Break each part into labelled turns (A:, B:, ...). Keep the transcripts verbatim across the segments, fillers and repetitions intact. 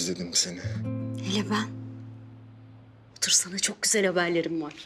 A: özledim seni.
B: Hele ben. Otur, sana çok güzel haberlerim var.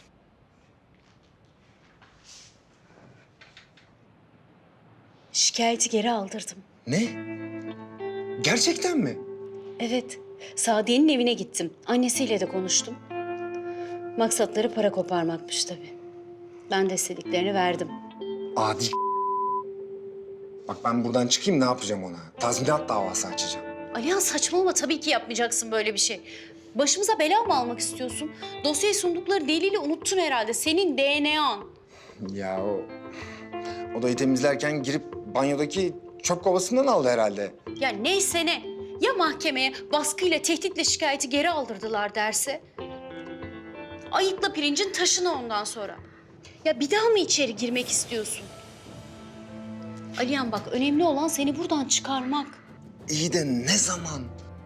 B: Şikayeti geri aldırdım.
A: Ne? Gerçekten mi?
B: Evet, Sadiye'nin evine gittim. Annesiyle de konuştum. Maksatları para koparmakmış tabii. Ben de istediklerini verdim.
A: Adi. Bak ben buradan çıkayım ne yapacağım ona? Tazminat davası açacağım.
B: Alihan, saçmalama, tabii ki yapmayacaksın böyle bir şey. Başımıza bela mı almak istiyorsun? Dosyayı sundukları delili unuttun herhalde. Senin D N A'n.
A: Ya o odayı temizlerken girip banyodaki çöp kovasından aldı herhalde.
B: Ya neyse ne. Ya mahkemeye baskıyla, tehditle şikayeti geri aldırdılar derse? Ayıkla pirincin taşını ondan sonra. Ya bir daha mı içeri girmek istiyorsun? Alihan bak, önemli olan seni buradan çıkarmak.
A: İyi de ne zaman?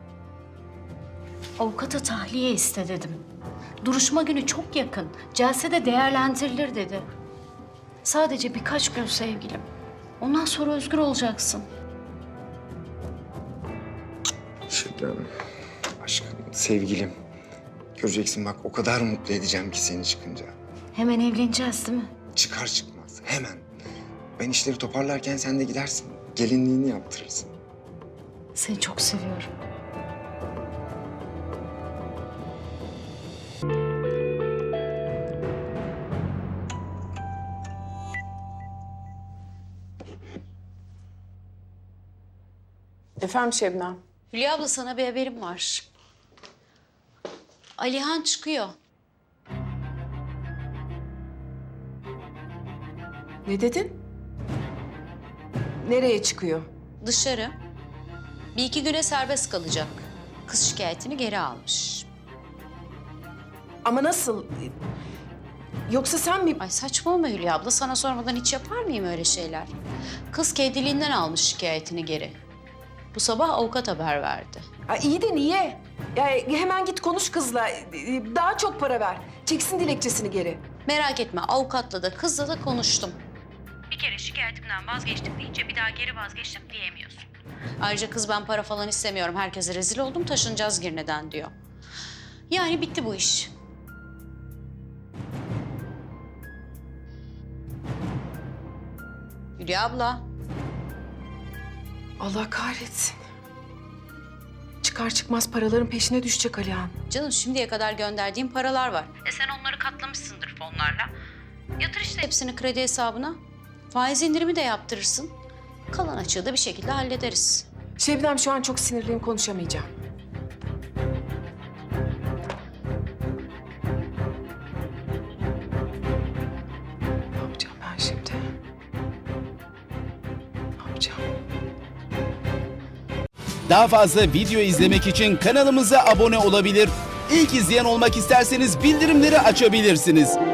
B: Avukata tahliye iste dedim. Duruşma günü çok yakın. Celsede değerlendirilir dedi. Sadece birkaç gün sevgilim. Ondan sonra özgür olacaksın.
A: Şebnem, aşkım, sevgilim. Göreceksin bak o kadar mutlu edeceğim ki seni çıkınca.
B: Hemen evleneceğiz değil mi?
A: Çıkar çıkmaz hemen. Ben işleri toparlarken sen de gidersin. Gelinliğini yaptırırsın.
B: Seni çok seviyorum.
C: Efendim Şebnem?
B: Hülya abla, sana bir haberim var. Alihan çıkıyor.
C: Ne dedin? Nereye çıkıyor?
B: Dışarı. Bir iki güne serbest kalacak. Kız şikayetini geri almış.
C: Ama nasıl? Yoksa sen mi?
B: Ay saçmalama Hülya abla. Sana sormadan hiç yapar mıyım öyle şeyler? Kız kendiliğinden almış şikayetini geri. Bu sabah avukat haber verdi.
C: Aa, iyi de niye? Ya hemen git konuş kızla. Daha çok para ver. Çeksin dilekçesini geri.
B: Merak etme, avukatla da kızla da konuştum. Bir kere şikayetimden vazgeçtim deyince bir daha geri vazgeçtim diyemiyorsun. Ayrıca kız ben para falan istemiyorum, herkese rezil oldum, taşınacağız Girne'den diyor. Yani bitti bu iş. Hülya abla.
C: Allah kahretsin. Çıkar çıkmaz paraların peşine düşecek Alihan.
B: Canım, şimdiye kadar gönderdiğim paralar var. E sen onları katlamışsındır fonlarla. Yatır işte hepsini kredi hesabına. Faiz indirimi de yaptırırsın. Kalan açığı da bir şekilde hallederiz.
C: Şebnem, şu an çok sinirliyim, konuşamayacağım. Ne yapacağım ben şimdi? Ne yapacağım?
D: Daha fazla video izlemek için kanalımıza abone olabilir. İlk izleyen olmak isterseniz bildirimleri açabilirsiniz.